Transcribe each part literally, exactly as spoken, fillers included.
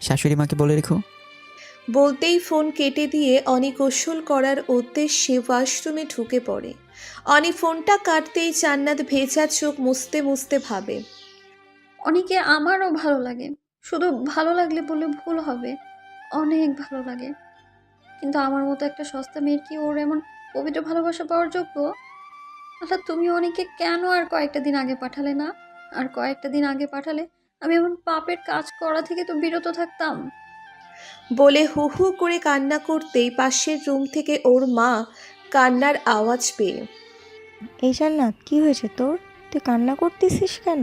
শাশুড়ি মাকে বলে রেখো। বলতেই ফোন কেটে দিয়ে অনি গোসল করার উদ্দেশ্যে ওয়াশরুমে ঢুকে পড়ে। অনি ফোনটা কাটতেই জান্নাত ভেজা চোখ মুছতে মুছতে ভাবে, অনেকে আমারও ভালো লাগে, শুধু ভালো লাগলে বললে ভুল হবে, অনেক ভালো লাগে। কিন্তু আমার মতো একটা সস্তা মেয়ের কি ওর এমন পবিত্র ভালোবাসা পাওয়ার যোগ্য? আচ্ছা, তুমি অনেকে কেন আর কয়েকটা দিন আগে পাঠালে না? আর কয়েকটা দিন আগে পাঠালে আমি এমন পাপের কাজ করা থেকে তো বিরত থাকতাম। বলে হু হু করে কান্না করতেই পাশের রুম থেকে ওর মা কান্নার আওয়াজ পেয়ে, এই জান্নাত, কি হয়েছে তোর? তুই কান্না করতেছিস কেন?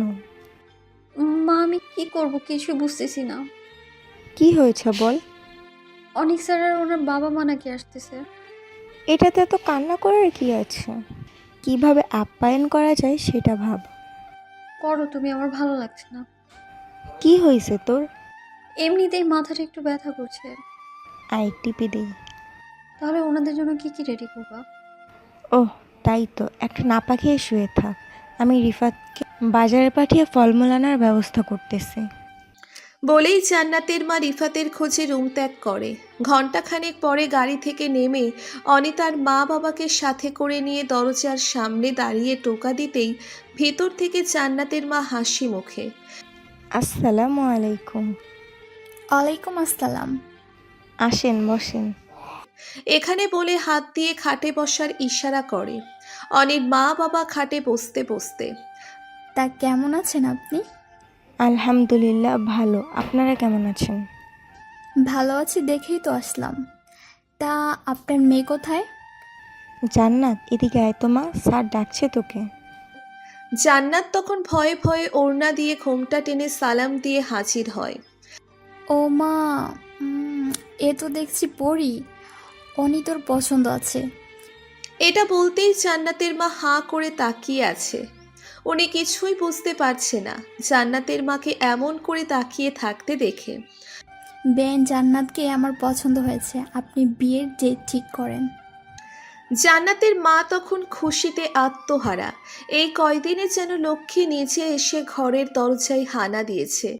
মা, আমি কি করব কিছু বুঝতেছি না। কি হয়েছে বল। অনেক স্যার আর ওনার বাবা মা নাকি আসতেছে। এটাতে এত কান্না করার কি আছে? কিভাবে আপ্যায়ন করা যায় সেটা ভাব। করো তুমি, আমার ভালো লাগছে না। কি হয়েছে তোর? এমনিতেই মাথাটা একটু ব্যথা করছে। আই টিপে দেই। তাহলে ওনাদের জন্য কি কি রেডি করবা? ওহ, তাই তো, একটা নাপা খেয়ে শুয়ে থাক। আমি রিফাতকে বাজারে পাঠিয়ে ফলমূল আনার ব্যবস্থা করতেছি। বলেই জান্নাতের মা রিফাতের খোঁজে রুম ত্যাগ করে। ঘণ্টাখানেক পরে গাড়ি থেকে নেমে অনি তার মা বাবাকে সাথে করে নিয়ে দরজার সামনে দাঁড়িয়ে টোকা দিতেই ভেতর থেকে জান্নাতের মা হাসি মুখে, আসসালামু আলাইকুম। ওয়ালাইকুম আসসালাম। আসেন, বসেন। এখানে বলে হাত দিয়ে খাটে বসার ইশারা করে। অনির মা বাবা খাটে বসতে বসতে, তা কেমন আছেন আপনি? আলহামদুলিল্লাহ ভালো। আপনারা কেমন আছেন? ভালো আছি দেখেই তো আসলাম। তা আপনার মেয়ে কোথায়? জান্নাত, এদিকে আয় তো মা, স্যার ডাকছে তোকে। জান্নাত তখন ভয়ে ভয়ে ওড়না দিয়ে ঘোমটা টেনে সালাম দিয়ে হাজির হয়। ও মা, উম, এ তো দেখছি পড়ি। অনি তোর পছন্দ আছে। এটা বলতেই জান্নাতের মা হাঁ করে তাকিয়ে আছে। উনি কিছুই বুঝতে পারছে না জান্নাতের মাকে এমন করে তাকিয়ে থাকতে দেখে। বেন জান্নাতকে আমার পছন্দ হয়েছে, আপনি বিয়ের ডেট ঠিক করেন। জান্নাতের মা তখন খুশিতে আত্মহারা। এই কয়দিনে যেন লক্ষ্মী নিজে এসে ঘরের দরজায় হানা দিয়েছে।